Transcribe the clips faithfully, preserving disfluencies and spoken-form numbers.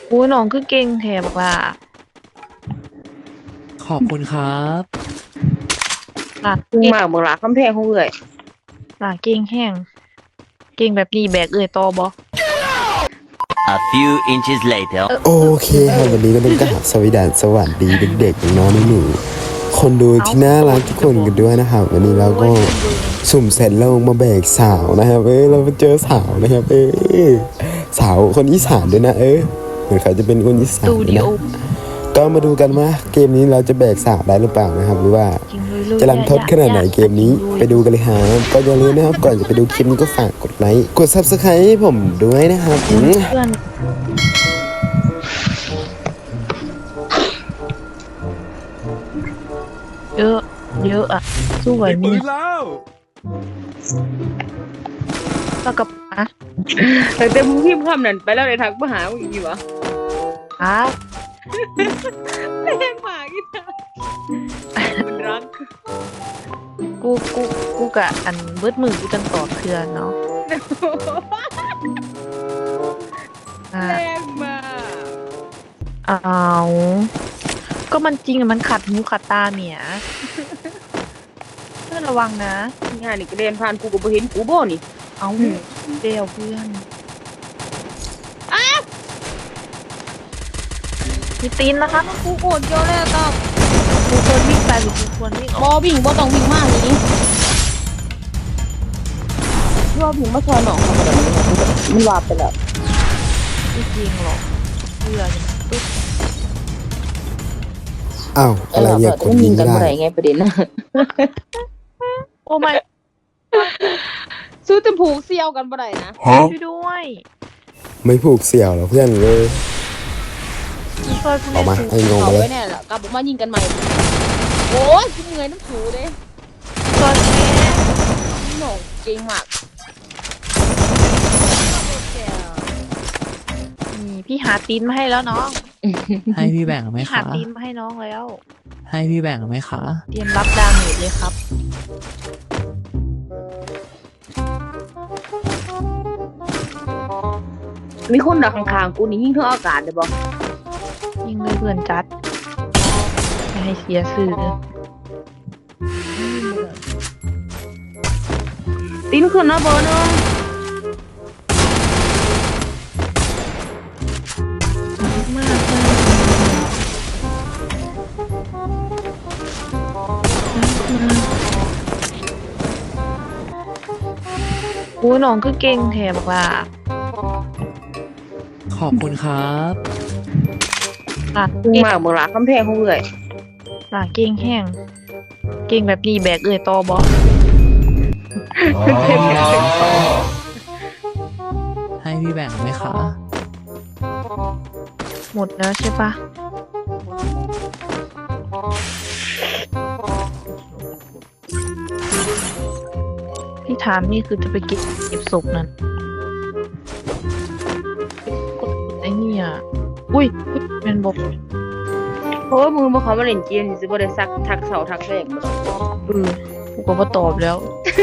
โอ้ยน้องคือเก่งแถบล่ะขอบคุณครับหลากซึ่งเก่งมากเมืองหลาคำแพงของเอื่อยหลากเก่งแห้งเก่งแบบนี้แบกเอ่ยต่อบ่ A few inches later. โอเคครับวันนี้ก็ต้องกราบสวัสดีสวัสดีเด็กๆน้องๆหนูๆคนดูที่น่ารักทุกคนกันด้วยนะครับวันนี้เราก็สุ่มเสร็จแล้วมาแบกสาวนะครับเอ้ยเราไปเจอสาวนะครับเอ้ยสาวคนอีสานด้วยนะเอ้ยเหมือนเขาจะเป็นคนอีสาสนตูด้วยดิโอนะก็มาดูกันว่าเกมนี้เราจะแบกสาวได้หรือเปล่านะครับหรือว่าจริงเลยจะรันทดขนาดไหนเกมนี้ไปดูกันเลยฮะก็อย่าลืมนะครับก่อนจะไปดูคลิปนี้ก็ฝากกดไลค์กด ซับสไครบ์ ให้ผมด้วยนะครับอืมเพื่อนเยอะเยอะอ่ะสู้ไหวไหมเนี่ยแล้วกับอ่ะแต่เต็มงพิมพ์คำนั้นไปแล้วในทักมาหามึงอีกวะอ่ะแรงมากอีนะมันรักกูกูกูกะอันเบิดมือกูจังตอบเพื่อนเนาะอ่ะแรงมากเอาก็มันจริงอะมันขัดหูขัดตาเมียเพื่อนระวังนะงานนี่ก็เดินผ่านกูก็บ่เห็นกูบ่นี่เอาเดียวเพื่อนมีตีนนะคะกูโกรธเยอะเลยอะตอบกูควรวิ่งไปหรือกูควรวิ่งอบ่อกวิ่งบ่ต้องวิ่งมากนี่รอบวิ่งมาซอยหนองเขาบ่ได้มันวาบไปแล้วไม่จริงหรอกเพื่อนปึ๊บอ้าวอะไรเนี่ยกดมันยิยิงงกัไม่นได้บ่ได้ไงประเด็นน่ะโอ้ไม่ซื้อแต่ผูกเสี่ยวกันบ่ได้นะช่วยด้วยไม่ผูกเสี่ยวหรอเพื่อนเลยช่วยกูออกมาหน่อยไอ้งงเอาไปเลไว้ยแน่ล่ะกลับออกมายิงกันใหม่โอ้ยกูเมื่อยน้ำถูเด้ช่วยแม่พี่หนงเก่งมากนี่พี่หาตีนมาให้แล้วน้องให้พี่แบ่งไหมพี่หาคะตีนมาให้น้องแล้วให้พี่แบ่งไหมคะเตรียมรับดาเมจเลยครับมีคนดักข้างๆกูนี่ยิงเท่าอากาศเลยบอกยิงเลยเพื่อนจัดไม่ให้เสียสื่อตีนขึ้นนะเบอร์หนึงมากเลยโอ้ยน้องคือเก่งแถบล่ะขอบคุณครับหลากซึ่งเก่งมากเมืองหลาคำแพงของเอื่อยหลากเก่งแห้งเก่งแบบนี้แบกเอ่ยต่อบ่ให้พี่แบ่งไหมคะหมดแล้วใช่ปะพี่ถามนี่คือจะไปเก็บเก็บศพนั่นกดไอ้เนี่ยอุ้ยเป็นบอกเพราะว่ามือมาเขามาเล่นเกมสิบ่ได้ซักทักเสาทักแรงบ่ต้องเออกูก็มาตอบแล้ว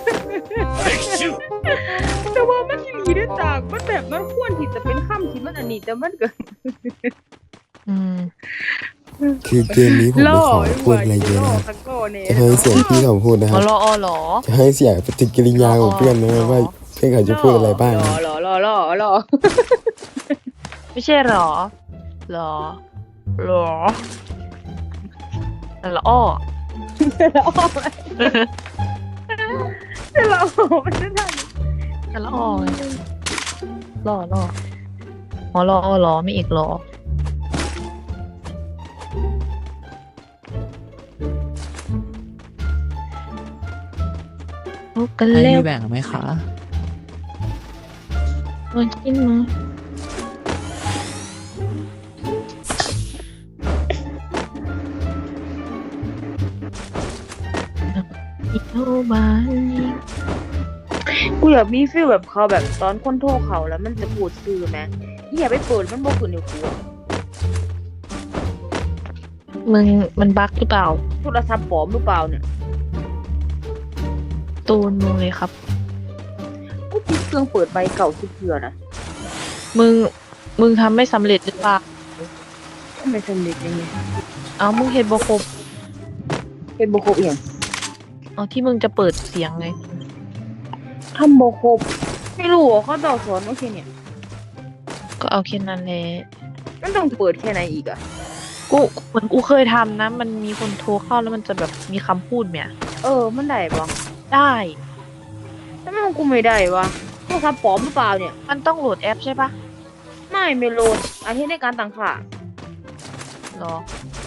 แต่ว่ามันที่ดีด้วยจากมันแบบมันควรที่จะเป็นคำที่มันอันนี้แต่มันก็อืมคือเกมนี้ผมไม่ขอพูดอะไรเยอะนะครับทั้งโก้เนี่ยจะให้เสียงพี่เขาพูดนะคอ๋รัอบ รออ๋อเหรอจะให้เสียงปฏิกิริยาของเพื่อนนะครับว่าเพื่อนเขาจะพูดอะไรบ้างรนะอรอรอรอรอไม่ใช่เหรอเหรอเหรอแต่ละอ้อรอรอมันจะได้แต่ละอ้อไงรอรออ๋อรออ๋อเหรอไม่อีกเหรอเอากันให้เร็วพี่แบ่งไหมคะมากินมาอีโทบานนี่กูอยากมีฟีลแบบเขาแบบตอนคนโทรเขาแล้วมันจะพูดซื่อไหมอย่าไปเปิดมันบอกขึ้นในกูมึงมันบั๊กหรือเปล่าโทรศัพท์ปลอมหรือเปล่าเนี่ยตูนมึงเลยครับกูปิดเครื่องเปิดใบเก่าสิเพื่อนะมึงมึงทำไม่สำเร็จหรือเปล่าไม่สำเร็จยังไงเอามึงเฮ็ดบ่ครบเป็นบ่ครบอย่างเอาที่มึงจะเปิดเสียงไงทำบ่ครบไม่รู้อ่ะเขาต่อสอนโอเคเนี่ยก็เอาแค่นั้นแหละมันต้องเปิดแค่ไหนอีกอ่ะกูเหมือนกูเคยทำนะ มันมีคนโทรเข้าแล้วมันจะแบบมีคำพูดเนี่ยเออมันได้ปะได้ทำไมของกูไม่ได้วะโทรศัพท์ปลอมหรือเปล่าเนี่ยมันต้องโหลดแอปใช่ปะไม่ไม่โหลดอาทิตย์ในการตั้งค่าหรอ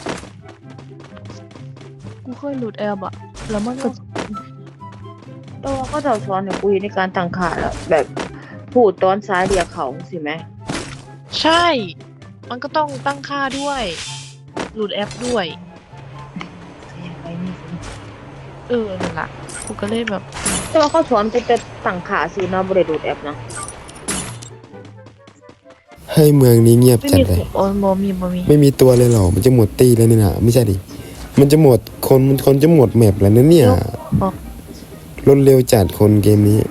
กูเคยโหลดแอปอะแล้วมันก็แต่ว่าก็จะสอนเนี่ยกูอยู่ในการตั้งค่าแล้วแบบพูดตอนซ้ายเรียกเขาสิไหมใช่ มันก็ต้องตั้งค่าด้วยโหลดแอปด้วยยังไงนี่สิเออนั่นแหละกูก็เลยแบบแต่ว่าเขาสอนกูจะตั้งค่าซื้อนะบริโดดแอปนะให้เมืองนี้เงียบไม่จัดมีเลยโอ้ยบ่มีบ่มีไม่มีตัวเลยเหรอ มันจะหมดตีแล้วเนี่ยนะไม่ใช่ดิ มันจะหมดคนคนจะหมดแมปแล้วนะเนี่ยรถเร็วจัดคนเกมนี้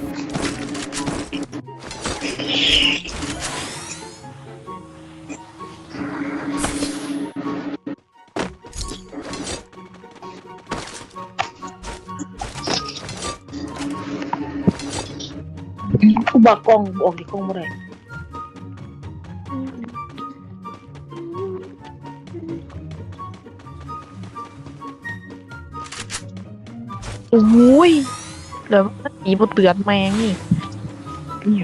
กูบักกล้องออกที่กล้องบ่ได้โอ้ยแล้วมันหนีบ่เตือนแมงนี่เนี่ย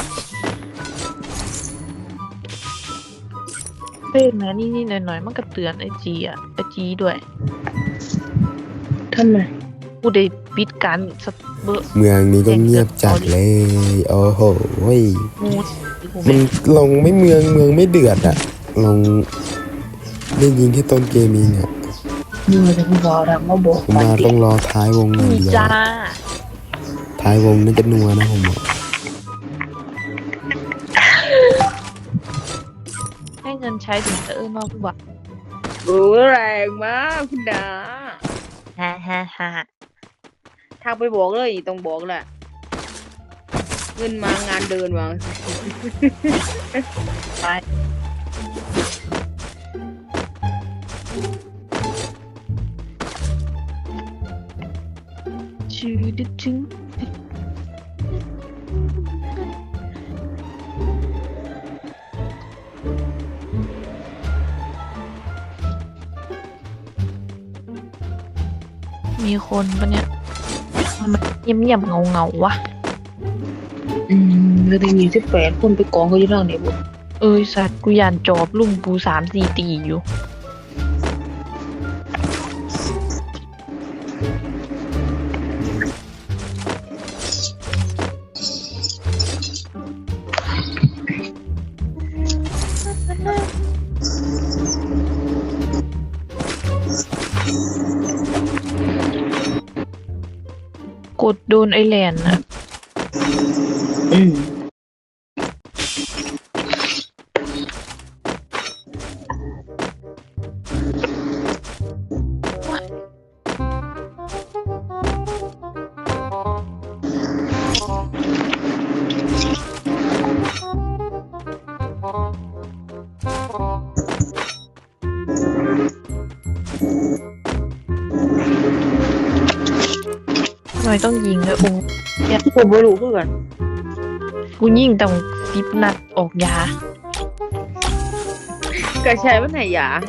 เป็นนะนี่นี่หน่อยๆมันก็เตือนไอจีอะไอจีด้วยทำไมกูได้ปิดการสะเบอร์เมืองนี้ก็เงียบจัดเลย โอ้โหเว้ยมูดกูมัไม่นลงไม่เมืองเมืองไม่เดือดอะลงได้ยิงแค่ต้นเกมเองอะมึงจะกูบอกดังมาบอกผมมาต้องรอท้ายวงอย่างมีเดียวจ้าท้ายวงน่าจะนัวนะผมบอกให้เงินใช้ถึงจะเออนอกกูบอกรู้แรงมากคุณดาฮ่าฮ่าฮ่าทางไปบอกเลยต้องบอกแหละเงินมางานเดินมาไปชื่อดึกถึงมีคนปะเนี่ยมันเงียบเงียบเงาเงาวะอืมแล้วได้มีสิบแปดคนไปกองเขาอยู่ทางไหนบุเอ้ยสัตว์กูยานจอบลุงปูสามสี่ตีอยู่ กดโดนไอแลนด์นะอืมทำไมต้องยิงด้วยโอ้ผมไม่รู้เพื่อนกูยิงต้องสิบนัดออกยากระชายมันไหนยา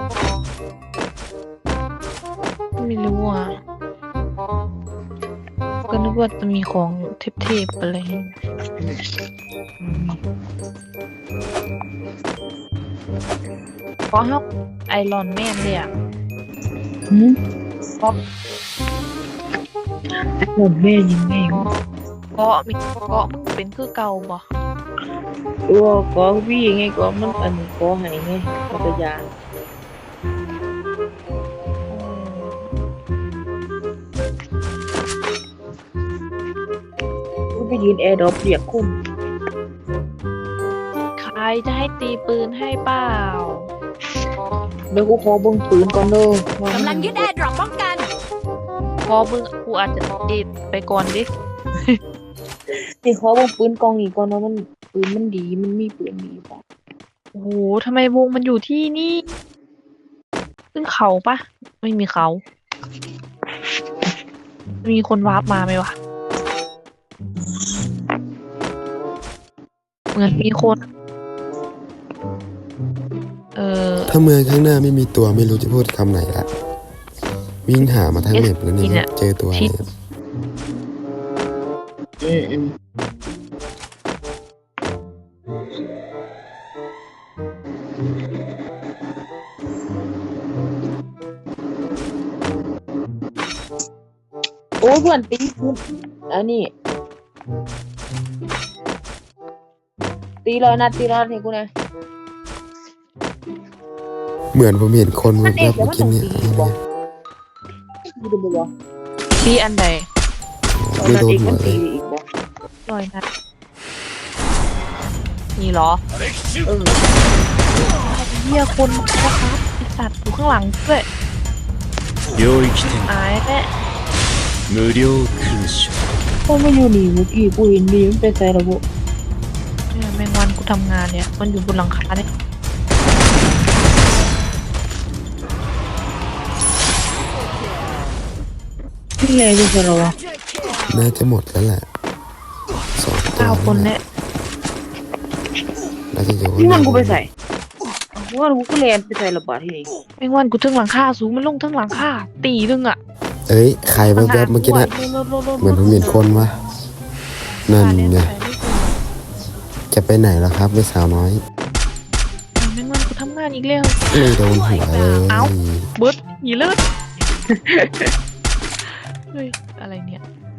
ไม่รู้อ่ะ ก็นึกว่าจะมีของเทพๆอะไรเพราะฮับไอรอนแมนเลยอ่ะหืมผมแม่ยังไงวะเกาะมีเกาะมึงเป็นคือเก่าบ่ตัวก็พี่ไงก็มันอันนี้ก็ให้ไงมันก็ยากูไปยืนแอร์ดรอปเรียกคุณใครจะให้ตีปืนให้เปล่าเดี๋ยวกูขอเบิ่งปืนก่อนเด้อกำลังยึดแอร์ดรอปป้องกันพอมึงกูอาจจะเด็ดไปก่อนดินี่ขอเบิ่งปืนกองนี้ก่อนว่ามันปืนมันดีมันมีปืนดีป่ะโอ้โหทำไมวงมันอยู่ที่นี่ขึ้นเขาปะไม่มีเขา มีคนวาร์ปมาไหมวะ เหมือนมีคน เออถ้าเมืองข้างหน้าไม่มีตัวไม่รู้จะพูดคำไหนละวิ่งหามาทั้งเม็บแล้วเนี่เนี่ย ยเจอตัวอะไรชิดอืมอืมโอ้ยเพื่อนตีกูอันนี้ตีร้อยนัดตีร้อยนัดให้กูนะเหมือนผมเห็นคนมัแบนบเอกเมื่อว่ากี้มันเนี่ยตีบ่ตีดูบ่บ่ที่อันใดไม่โดนเอกหัมัวน เลตียอีกบ่ลอยนะนี่เหรอเออเฮียคนนะครับไอสัตว์อยู่ข้างหลังด้วย領域展อายแน่無料勲章ก็ไม่อยู่นี่เมื่อกี้กูเห็นดีมันไปใส่ระบบเนี่ยแมงวันกูทำงานเนี่ย มันอยู่บนหลังคาเนี่ยที่ไงไปใส่ระบบน่าจะหมดแล้วแหละสองตัวเก้าคนเนี่ยน่าจะอยู่ที่มันกูไปใส่กูว่ากูก็เรียนไปใส่ระบาดที่นี่แมงวันกูทึ่งหลังคาสูงมันลงทึ่งหลังคาตีนึงอ่ะเอ้ยใครแวบๆเมื่อกี้นะเหมือนผมเห็นคนวะนั่นไงจะไปไหนล่ะครับไม่สาวน้อยแมงวันกูทำงานอีกแล้วไม่โดนหัวเลยเอ้า เบิร์ดหนีเลือดเฮ้ยอะไรเนี่ย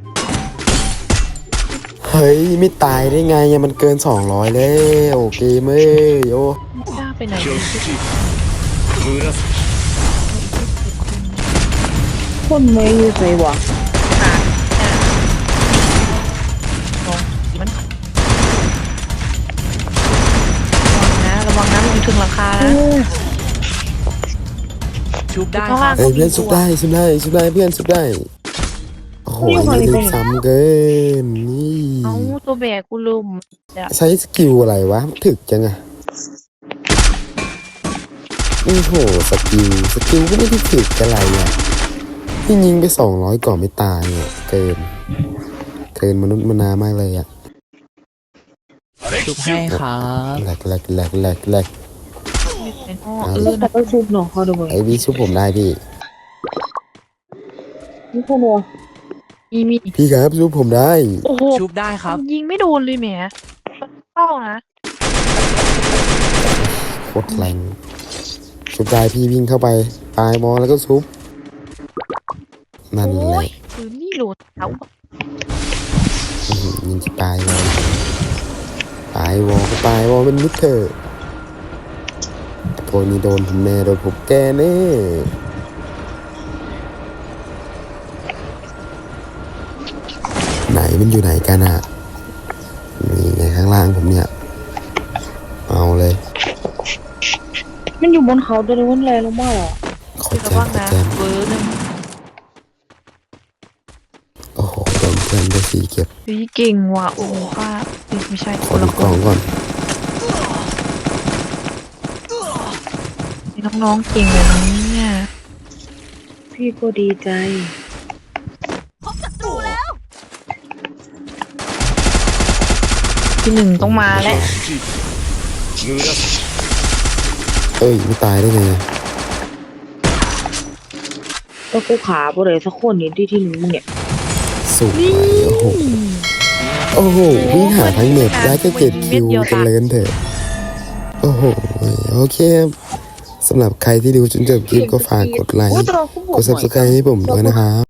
เฮ้ยไม่ตายได้ไงอะมันเกินสองร้อยแล้วโอเคเม้ยโอ้ไม่กล้าไปไหน挙เลย式紫คนไม่อยู่ใส่วะลองมันระวังนะระวังนะมันอยู่ถึงหลังคาเอนะอชุบได้ข้างคล่ารังบเอ้ยเพื่อนสุดได้สุดได้สุดได้เพื่อนสุดได้โอ้โหนี่ถึงซ้ำเกินนี่เอาตัวแบกกูลืมเดี๋ยวใช้สกิลอะไรวะถึกจังอะโอ้โหสกิลสกิลก็ไม่ได้ถึกอะไรอะที่ยิงไปสองร้อยก่อนไม่ตายเนี่ยเกิน เกินมนุษย์มนามากเลยอะชุบให้ครับแหลกแหลกแหลกแหลกแหลกเป็นห้อเอาเอดิอแต่นะไปซุปเนาะเขาดูไอ้พี่ชุบผมได้พี่นี่คนวะมีมีพี่ครับชุบผมได้โอ้โหชุบได้ครับยิงไม่โดนเลยแหมเป้านะโคตรแรงชุบได้พี่วิ่งเข้าไปปลายมอแล้วก็ชุบนั่นแหโอ้ละยปืนนี่โหลดเท้าอื้อหือยิงที่ปลายวอลปลายวอลก็ปลายวอลเป็นมิดเถอะไอ้พวกนี้โดนผมแน่โดนผมแกแน่ไหนมันอยู่ไหนกันอ่ะนี่ไงข้างล่างผมเนี่ยเอาเลยมันอยู่บนเขาตัวนี้มันแรงลงมากเหรอขอระแจมวังขอนะแจมเบอร์หนึ่งโอ้โหโดนเพื่อนได้สีเก็บเฮ้ยเก่งว่ะโอ้โหค่ะเฮ้ยไม่ใช่ขคอน ดูละคกล่อน งก่อนนี่น้องๆเก่งเลยนะเนี่ยพี่ก็ดีใจที่หนึ่งต้องมาแล้ว紫紫เอ้ยไม่ตายได้ไงก็กูขาบ่ได้สักคนนี่ที่ที่หนึ่งมึงเนี่ยสุดไปโอ้โห โอ้โหวิ่งหาทั้งเน็ตได้แค่เจ็ดคิวกันเลยเถอะ โอ้โห โอเคครับสำหรับใครที่ดูจนจบคลิปก็ฝากกดไลค์โอ้ยแต่เราก็บกอกด subscribe ให้ผมด้วยนะครับ